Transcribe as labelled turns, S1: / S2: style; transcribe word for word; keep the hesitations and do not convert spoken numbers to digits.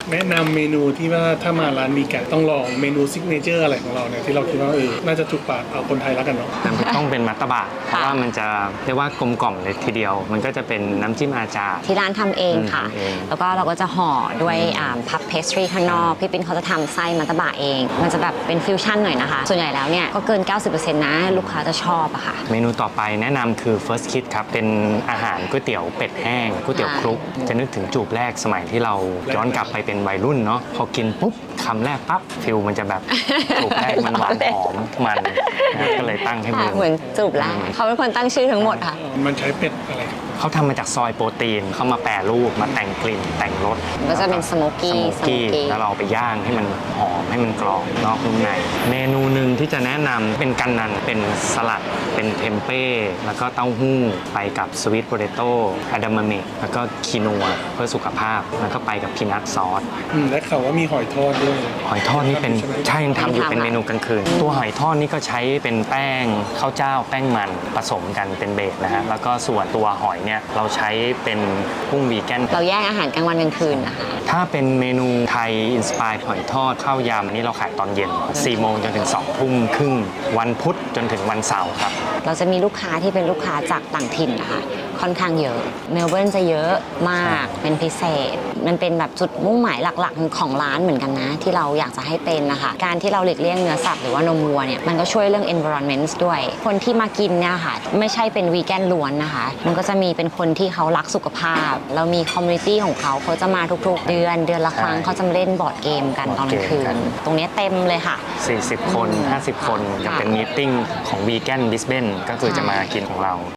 S1: แนะนำเมนูที่ว่าถ้ามาร้านมีแกะต้องลองเมนูซิกเนเจอร์อะไรของเราเนี่ยที่เราคิดว่าเออน่าจะถูกปากเอาคนไทยแล้วกันเนาะ
S2: ต้องเป็นมัตตบะเพราะว่ามันจะเรียกว่ากลมกล่อมเลยทีเดียวมันก็จะเป็นน้ำจิ้มอาจารย์
S3: ที่ร้านทำเองค่ะแล้วก็เราก็จะห่อด้วยพับเพสทรีข้างนอกพี่ปิ้นเขาจะทำไส้มัตตบะเองมันจะแบบเป็นฟิวชั่นหน่อยนะคะส่วนใหญ่แล้วเนี่ยก็เกิน เก้าสิบเปอร์เซ็นต์ นะลูกค้าจะชอบอะค่ะ
S2: เมนูต่อไปแนะนำคือ First Kiss ครับเป็นอาหารก๋วยเตี๋ยวเป็ดแห้งก๋วยเตี๋ยวคลุกจะนึกถึงจูบแรกสมัยที่เราย้อนกลับไปเป็นวัยรุ่นเนาะพอกินปุ๊บคำแรกปั๊บฟิลมันจะแบบจูบแรกมันหวานหอมมันก็เลยตั้งให้มัน
S3: เหมือนจูบแรกเขาเป็นคนตั้งชื่อทั้งหมดค่ะ
S1: มันใช้เป็ดอะไร
S2: เขาทำมาจากซอยโปรตีนเขามาแปรรูปมาแต่งกลิ่นแต่งรส
S3: ก็จะเป็นสโมกี้
S2: สโมกี้แล้วเราไปย่างให้มันหอมให้มันกรอบนอกนุ่มในเมนูหนึ่งที่จะแนะนำเป็นกันนันเป็นสลัดเป็นเทมเป้แล้วก็เต้าหู้ไปกับสวีทโพเตโต้อะดามะเมะแล้วก็คีนัวเพื่อสุขภาพแล้วก็ไปกับพีนัทซอส
S1: และเขาว่ามีหอยทอดด้วย
S2: หอยทอดนี่เป็นใช่ยังทำอยู่เป็นเมนูกลางคืนตัวหอยทอดนี่ก็ใช้เป็นแป้งข้าวเจ้าแป้งมันผสมกันเป็นเบสนะฮะแล้วก็ส่วนตัวหอยเนี่ยเราใช้เป็นกุ้งวีแกน
S3: เราแยกอาหารกลางวันกลางคืนนะคะ
S2: ถ้าเป็นเมนูไทยอินสปายหอยทอดข้าวยำอันนี้เราขายตอนเย็นสี่โมงจนถึงสองทุ่มครึ่งวันพุธจนถึงวันเสาร์ครับ
S3: เราจะมีลูกค้าที่เป็นลูกค้าจากต่างถิ่นนะคะค่อนข้างเยอะเมลเบิร์นจะเยอะมากเป็นพิเศษมันเป็นแบบจุดมุ่งหมายหลักๆของร้านเหมือนกันนะที่เราอยากจะให้เป็นนะคะการที่เราหลีกเลี่ยงเนื้อสัตว์หรือว่านมวัวเนี่ยมันก็ช่วยเรื่อง environment ด้วยคนที่มากินเนี่ยค่ะไม่ใช่เป็นวีแกนล้วนนะคะมันก็จะมีเป็นคนที่เขารักสุขภาพเรามีคอมมูนิตี้ของเขาเขาจะมาทุกๆเดือนเดือนละครั้งเขาจะมาเล่นบอร์ดเกมกันตอนกลางคืนตรงนี้เต็มเลยค่ะ
S2: สี่สิบคนห้าสิบคนจะเป็นมีตติ้งของวีแกนบิสเบนก็คือจะมากินของเรา